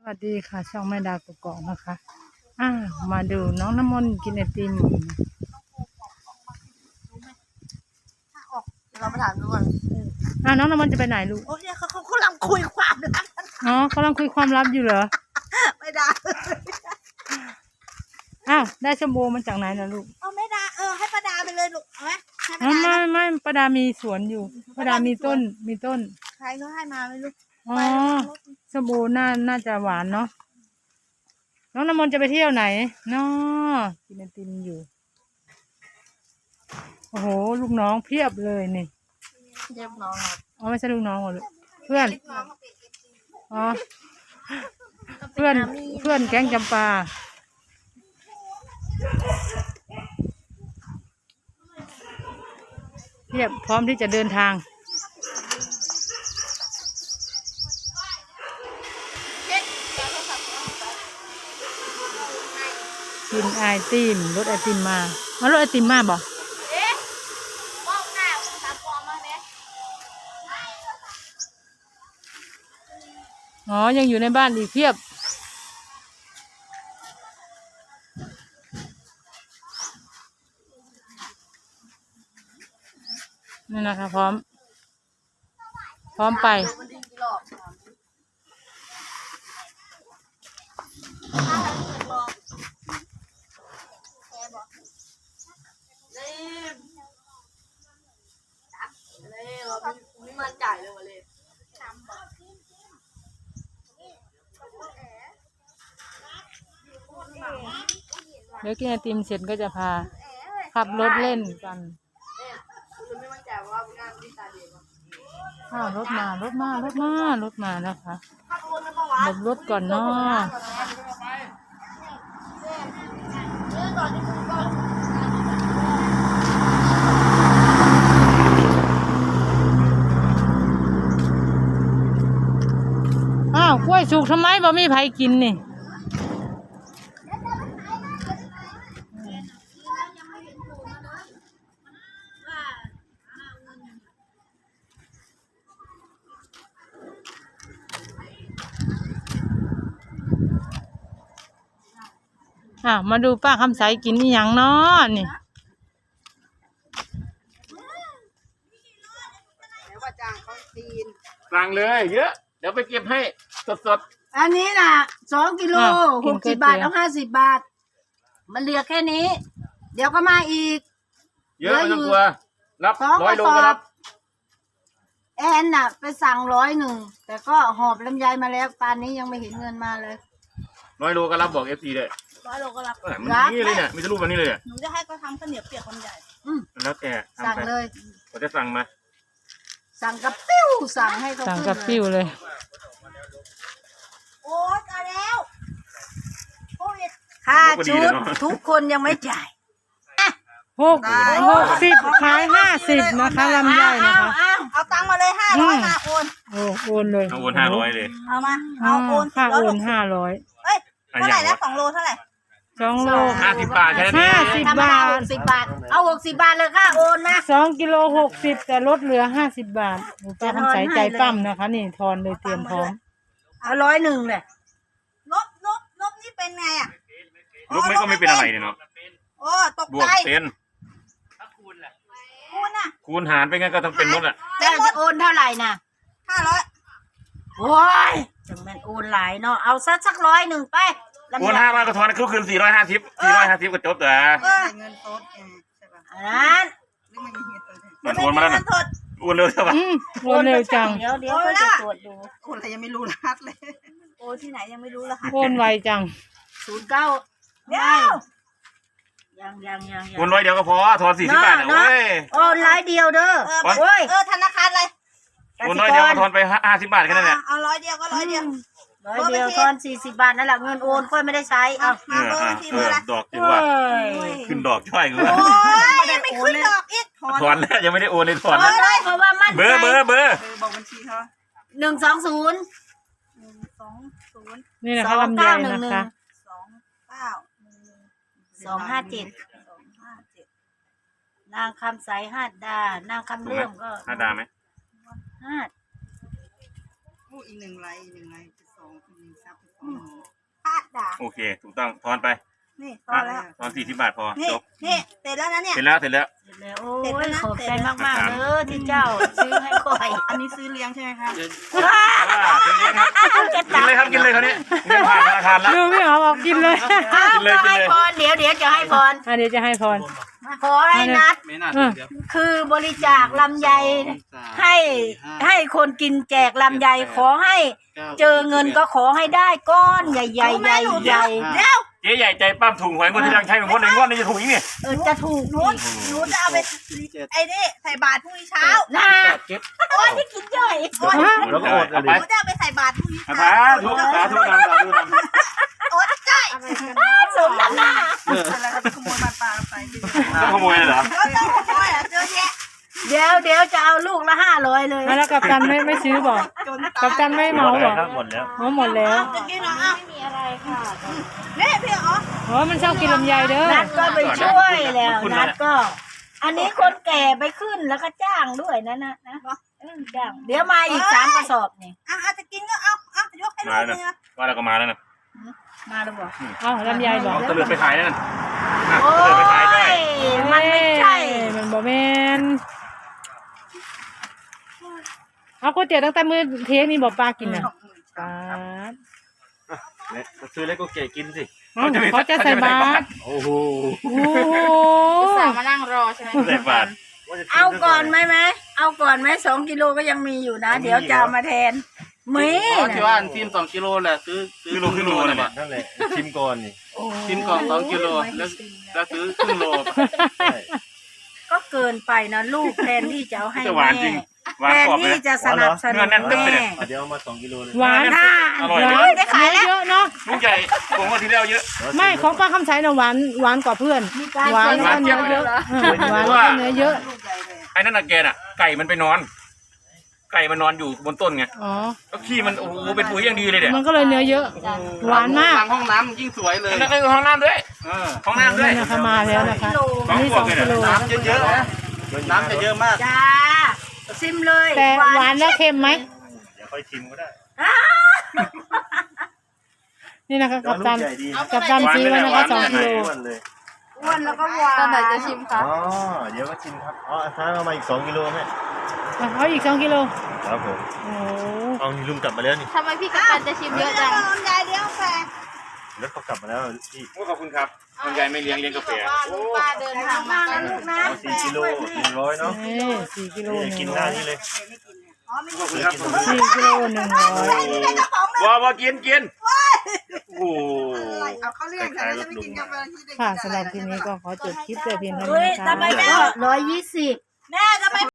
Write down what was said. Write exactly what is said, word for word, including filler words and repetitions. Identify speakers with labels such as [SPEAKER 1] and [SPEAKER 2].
[SPEAKER 1] วัสดีค่ะช่องแม่ดาวกกอกนะคะอ่ามาดูน้องน้ำมนต์กินไอติม
[SPEAKER 2] เราไปถามดูก่อน
[SPEAKER 1] อ่าน้องน้ำมนต์จะไปไหนลูก
[SPEAKER 2] โอ้ยเขาเขากำลังคุยความลับ
[SPEAKER 1] อ๋อกำลังคุยความลับอยู่เหรอ
[SPEAKER 2] ไม่ได้
[SPEAKER 1] อ้าวได้ชมโบมาจากไหนนะลูก
[SPEAKER 2] เอาไม่ได้เออให้ป้าดาไปเลยลูกเอาไหมให้ป้า
[SPEAKER 1] อ๋อ
[SPEAKER 2] ดา
[SPEAKER 1] ไม่ไม่ป้าดามีสวนอยู่ป้าดามีต้นมีต้น
[SPEAKER 2] ใครเขาให้มาไม่รู้
[SPEAKER 1] อ๋อชมโบน่าน่าจะหวานเนาะน้องน้ำมนต์จะไปเที่ยวไหนเนาะกินไอติมอยู่โอ้โหลูกน้องเพียบเลยนี่
[SPEAKER 2] เรียบน้องครับ
[SPEAKER 1] อ๋อไม่ใช่ลูกน้องเหรอลูกเพื่อนอ๋อเพื่อนเพื่อนแก๊งจำปาเทียบพร้อมที่จะเดินทางกินไอติมรถไอติมมาเอารถไอติมมาบอกอ๋อยังอยู่ในบ้านอีกเพียบนี่นะคะพร้อมพร้อมไป
[SPEAKER 2] ไม่มั่นใจเลยวันเลย
[SPEAKER 1] เดี๋ยวกินไอติมเสร็จก็จะพาขับรถเล่นกันอ้าวรถมารถมารถมารถมานะคะหลบรถก่อนเนาะอ้าวกล้วยสุกทำไมบ่มีใครกินนี่อ่ะมาดูป้าคำใสกินนี่อย่างเนาะนี่
[SPEAKER 3] สั่งเลยเยอะเดี๋ยวไปเก็บให้สด
[SPEAKER 2] อันนี้น่ะสองกิโลหกสิบบาทเอาห้าสิบบาทมันเหลือแค่นี้ เดี๋ยวก็มาอีก
[SPEAKER 3] เยอะไม่ต้องกลัวรับร้อยโลก็รับ
[SPEAKER 2] แอนน่ะไปสั่งร้อยหนึ่งแต่ก็หอบลำไยมาแล้วปานนี้ยังไม่เห็นเงินมาเลย
[SPEAKER 3] ร้อยโลก็รับบอกเอฟซีเลย
[SPEAKER 2] ร้อยโลก็รับ
[SPEAKER 3] มันนี่เลยเนี่ยมีรูปแบบนี้เลย
[SPEAKER 2] หนูจะให้เขาทำข้าวเหนียวเปียกคนใหญ่
[SPEAKER 3] แล้วแก
[SPEAKER 2] สั่งเลย
[SPEAKER 3] เขาจะสั่งมา
[SPEAKER 2] สั่งกับปิ้วสั่งให้เขา
[SPEAKER 1] สั่งกับปิ้วเลย
[SPEAKER 2] โอ๊ยเอาแล้วค่าชุดทุกคนยังไม่จ่าย
[SPEAKER 1] หกหกสิบขายห้าสิบนะคะลำไยนะคะ
[SPEAKER 2] เอาตังค์มาเลยห้าร้อยมาโอน
[SPEAKER 1] โอ้โอนเลย
[SPEAKER 3] เอาโอนห้าร้อยเลย
[SPEAKER 2] เอามาเอาโอน
[SPEAKER 1] ค่าโอนห้าร้อย
[SPEAKER 2] เอ้ยเท่าไหร่แล้วสองโลเท่าไหร่
[SPEAKER 1] สองโล
[SPEAKER 3] ห้าสิบบาทแค่นี้
[SPEAKER 1] ห้าสิบบาท
[SPEAKER 2] หกสิบบาทเอาหกสิบบาทเลยค่ะโอนนะ
[SPEAKER 1] สองกิโลหกสิบแต่ลดเหลือห้าสิบบาทป้าคำใสใจปั้มนะคะนี่ทอนเลยเตรียมพร้อม
[SPEAKER 2] เอาร้อยหนึ่งเลยลบลบลบนี่เป็นไงอ่ะ
[SPEAKER 3] ลบไม่ก็ไม่เป็นอะไรเนี่ยเนาะ
[SPEAKER 2] โอ้ตก
[SPEAKER 3] ใจบวกเป็น
[SPEAKER 2] คูณอ่ะ
[SPEAKER 3] คูณหารไปงั้นก็ต้องเป็นหมดอ่ะ
[SPEAKER 2] แต่จะโอนเท่าไหร่น่ะห้าร้อยโอ้ยจังแม่นโอนหลายเนาะเอาสักสักร้อยหนึ่งไป
[SPEAKER 3] โอนห้าร้อยก็ทอนคืนสี่ร้อยห้าสิบสี่ร้อยห้าสิบก็จบแต่
[SPEAKER 2] เงินสดใช่ป่ะนั้น
[SPEAKER 3] มันโอนมาแล้วนะโอนเร็วใช่ป่ะ
[SPEAKER 1] โอนเร็วจัง
[SPEAKER 2] เดี๋ยวเดี๋ยวก็จะตรวจดูโอนอะไรยังไม่รู้รหัสเลยโอนที่ไหนยังไม่รู้รหัส
[SPEAKER 1] โอนไวจัง
[SPEAKER 2] ศูนย์เก้าเดี๋ยวยังยังยัง
[SPEAKER 3] โอนร้อยเดียวก็พอทอนสี่สิบบาทนะเว้ย
[SPEAKER 2] โอนร้อยเดียวเด้อโอ้ยเออธนาคารอะไร
[SPEAKER 3] โอนร้อยเดียวก็ทอนไปห้าสิบบาทแค่นั้นแหละ
[SPEAKER 2] เอาร้อยเดียวก็ร้อยเดียวร้อยเดียวทอนสี่สิบบาทนั่นแหละเงินโอนค่อยไม่ได้ใช้เอา
[SPEAKER 3] มาเบอร์ที่เบอร์ละดอกจังว่าขึ้นดอกช่วยกู
[SPEAKER 2] โอ้ยยังไม่ขึ้นดอกอีก
[SPEAKER 3] ถอนแล้วยังไม่ได้โอนเลยถอน
[SPEAKER 2] แล้วเพราะว่ามัน
[SPEAKER 3] เบอร์เบอร์เบอร์
[SPEAKER 2] บอกบัญชีเขาหนึ่งสองศูนย์หนึ่งสองศูนย์
[SPEAKER 1] นี่นะคะลำไยนะคะ
[SPEAKER 2] สองเก้าสองห้าเจ็ดสองห้าเจ็ดนางคำใสห้าดานางคำเลื่อมก็
[SPEAKER 3] ห้าดาไหม
[SPEAKER 2] ห้า
[SPEAKER 4] อีกหนึ่งไรอีกหนึ่งไรสอง
[SPEAKER 2] พลาดด่า
[SPEAKER 3] โอเค ถูกต้องทอนไป
[SPEAKER 2] นี่พอแล้ว
[SPEAKER 3] ทอนสี่สิบบาทพอ
[SPEAKER 2] นี่
[SPEAKER 3] จบ
[SPEAKER 2] นี่เสร็จแล้วนะเนี่ย
[SPEAKER 3] เสร็จแล้วเสร็จแล้ว
[SPEAKER 2] เสร็จแล้วโอ้ยขอบใจมากๆเด้อที่เจ้าซื้อให้ก่อยอันนี้ซื้อเลี้ยงใช่ไหมคะ
[SPEAKER 3] อ่าเชิญเลยครับกินเลยครับกินเลยคราวนี้เงินผ่านธนาคารแล้ว
[SPEAKER 1] ดูพี่หอมบอกกินเลย
[SPEAKER 2] อ้าว
[SPEAKER 3] กินเลย
[SPEAKER 2] ก็
[SPEAKER 3] กิน
[SPEAKER 2] ให้
[SPEAKER 3] เลย
[SPEAKER 2] พรเดี๋ยวเดี๋ยวจะให้พร
[SPEAKER 1] อันนี้จะให้พร
[SPEAKER 2] ขอให้นัด
[SPEAKER 4] ไม่น่า
[SPEAKER 1] เอ
[SPEAKER 4] ถึ
[SPEAKER 1] อ
[SPEAKER 4] งเดียว
[SPEAKER 2] คือบริจาคลำไยให้ให้คนกินแจกลำไยขอให้ เจอเงินก็ขอให้ได้ก้อนใหญ่ๆใหญ่ใหญ่ใหญ่เดี๋ยว
[SPEAKER 3] เจ๊ใหญ่ใจปั้มถุงหวยงวดที่ยังใช้เป็นงวดหนึ่งงวดนี้จะถูกอีกนี่
[SPEAKER 2] เออจะถูก
[SPEAKER 5] หนูหนูจะเอาไปไอ้นี่ใส่บาตรพรุ่งนี้เช้า
[SPEAKER 2] นะโอ้ยที่กินย่อย
[SPEAKER 3] แล้วก็อด
[SPEAKER 5] หนูจะเอาไปใส่บาตรพรุ่งนี้
[SPEAKER 3] สา
[SPEAKER 5] เช้า
[SPEAKER 3] ธุสาธุนำสาธุนำ
[SPEAKER 5] อดใจ
[SPEAKER 2] สมน้ำหน้า
[SPEAKER 5] แล้วก็ขโมยบาตรปลาไป
[SPEAKER 3] ต้องขโมยเลยเหรอ
[SPEAKER 5] ก็จะขโมยอ่ะเจอแยะ
[SPEAKER 2] เดี๋ยวเดี๋ยวจะเอาลูกละห้าร้อยเลย
[SPEAKER 1] แล้วกัปตันไม่ไม่ซื้อบอก
[SPEAKER 5] จน
[SPEAKER 1] กัปตันไม่เหมาบอก
[SPEAKER 3] หมดแล้ว
[SPEAKER 1] เหมาหมดแล้ว
[SPEAKER 5] จะกินเหรออ่ะ
[SPEAKER 2] ไม่มีอะไรค่ะ
[SPEAKER 5] นี่พี่อ๋อ
[SPEAKER 1] โอ้มันชอบกินลำไยเด้อ
[SPEAKER 2] นัดก็ไปช่วยแล้วนัดก็ อันนี้คนแก่ไปขึ้นแล้วก็จ้างด้วยนะนะนะเออจ้างเดี๋ยวมาอีกสามกระสอบนี่
[SPEAKER 5] อ่ะอาจจะกินก็เอาเอายกให้ลูกนึงอ่ะ
[SPEAKER 3] ว่าเราก็มาแล้วนะ
[SPEAKER 2] มาแล้วบอก
[SPEAKER 1] เอาลำไยบอก
[SPEAKER 3] ตะเลือไปขายนั่น
[SPEAKER 2] โอ้
[SPEAKER 3] ตะเลือไปขายได้
[SPEAKER 2] ยมันไม่ใช่
[SPEAKER 1] เอ้ยมันบอกแมนเอาก๋วยเตี๋ยวตั้งแต่มื้อเที่ยงนี่บอกปลากินน่ะปลา
[SPEAKER 4] ซื้อเล็กก็เก๋กินสิ
[SPEAKER 1] เอ้าเขาจะใส่บาตร
[SPEAKER 4] โอ้โห
[SPEAKER 1] โอ้โห
[SPEAKER 5] สาวมานั่งรอใช่ไหม
[SPEAKER 3] ใส่บาท
[SPEAKER 2] เอาก่อนไหมไหมเอาก่อนไหมสองกิโลก็ยังมีอยู่นะ เดี๋ยวจะเอามาแทนมี
[SPEAKER 4] ที่ว่าทีมสองกิโลแหละซื้อซื้อ
[SPEAKER 3] คือโลคือโลเลยเนี่ย
[SPEAKER 4] นั่นแหละชิมก่อนนี่
[SPEAKER 2] โอ้
[SPEAKER 4] ทีมกล่องสองกิโลแล้วแล้วซื้อครึ่งโล
[SPEAKER 2] ก็เกินไปนะลูกแทนที่จะเอาให้
[SPEAKER 3] จะหวาน
[SPEAKER 2] แม่
[SPEAKER 3] จริงหวาน
[SPEAKER 2] แทน
[SPEAKER 3] กรอบเลย
[SPEAKER 2] ที่จะสนับสนุน
[SPEAKER 3] เนื้อแน่นตึ๊บ
[SPEAKER 2] แม่
[SPEAKER 3] เลยเนี่ย
[SPEAKER 4] เดี๋ยวเอามาสองกิโลเลย
[SPEAKER 1] หวาน
[SPEAKER 2] ถ้า
[SPEAKER 3] อร่อย
[SPEAKER 1] ห
[SPEAKER 3] เล
[SPEAKER 1] วาย น
[SPEAKER 2] ได้ขายแล้ว
[SPEAKER 1] เยอะเนาะ
[SPEAKER 3] ลูกใหญ่ผมว่าทีแล้วเยอะ
[SPEAKER 1] ไม่ของป้าคำใสน่ะหวานหวานกว่าเพื่อน
[SPEAKER 2] มีการ
[SPEAKER 1] หวานแล้ว
[SPEAKER 3] หวา
[SPEAKER 1] ก็
[SPEAKER 3] นเจี๊
[SPEAKER 1] เนื้
[SPEAKER 3] ย
[SPEAKER 1] อบ
[SPEAKER 3] เลย
[SPEAKER 1] เยอะเออหวานแล้วก็เนื้อเยอะ
[SPEAKER 3] ไอ้นั่นน่ะแกน่ะไก่มันไปนอน ไก่มันนอนอยู่บนต้นไง
[SPEAKER 1] อ๋อ
[SPEAKER 3] แล้วขี้มันโอ้โหเป็นปุ๋ยอย่างดีเลยเนี่ย
[SPEAKER 1] มันก็เลยเนื้อเยอะ หวานมาก
[SPEAKER 4] หลังห้องน้ำยิ่งสวยเลย
[SPEAKER 3] แล้วก็ห้องน้ำด้วย
[SPEAKER 4] เออ
[SPEAKER 3] ห้องน้ำด้วย
[SPEAKER 1] นี่นะคะมาแล้วนะคะอันนี้สองกิโล
[SPEAKER 4] น้ำเยอะๆนะน้ำจะเยอะมาก
[SPEAKER 2] จ้าซิมเลย
[SPEAKER 1] แต่หวานแล้วเค็มไหม
[SPEAKER 4] เดี๋ยวค่อยชิมก็ได้
[SPEAKER 1] นี่นะคะกับตันกับตันซื้อไว้นะคะสองกิโล
[SPEAKER 4] อ้วนเลย
[SPEAKER 2] อ้วนแล้วก็หวาน
[SPEAKER 5] ตอนไหนจะชิมคะ
[SPEAKER 4] อ๋อเดี๋ยวก็ชิมครับอ๋อท้าเอามาอีกสองกิโลไหม
[SPEAKER 1] อ่ะเอาอีกสองกิโล
[SPEAKER 4] ครับผม
[SPEAKER 1] โอ้
[SPEAKER 4] เอานี่ลุงกลับมาแล้วนี่
[SPEAKER 5] ทำไมพี่กัปตันจะชิมเยอะจังลำไยเลี้ยงแฟน
[SPEAKER 4] รถเขากลับมาแล้วพี่
[SPEAKER 3] โอ้ขอบคุณครับคุณยายไม่เลี้ยงเลี้ยงกาแฟ
[SPEAKER 5] ลุงป้าเดินทางมา
[SPEAKER 2] มาลูกนะ
[SPEAKER 4] เอาสี่กิโลหนึ่งร้อยเนาะ
[SPEAKER 1] นี่สี่กิโลห
[SPEAKER 4] นี่
[SPEAKER 1] นึ่ง
[SPEAKER 4] กินห
[SPEAKER 1] ร้
[SPEAKER 4] น้า
[SPEAKER 1] อย
[SPEAKER 4] นี่เลย
[SPEAKER 3] ขอบคุณครับ
[SPEAKER 1] สี่กิโลหนึ่งร้อย
[SPEAKER 3] ว้าวกินกินโอ้โห
[SPEAKER 5] เอาเขาเรียกแต่จะไม่กินกาแฟที่เด็ก
[SPEAKER 1] ค่ะสำหรับทีนี้ก็ขอจบคลิปแต่เพียงเท่า
[SPEAKER 2] เฮ้
[SPEAKER 1] นี้
[SPEAKER 2] ย
[SPEAKER 1] นะคะ
[SPEAKER 2] ทำไมไม่ร้อยยี่สิบแม่ทำไม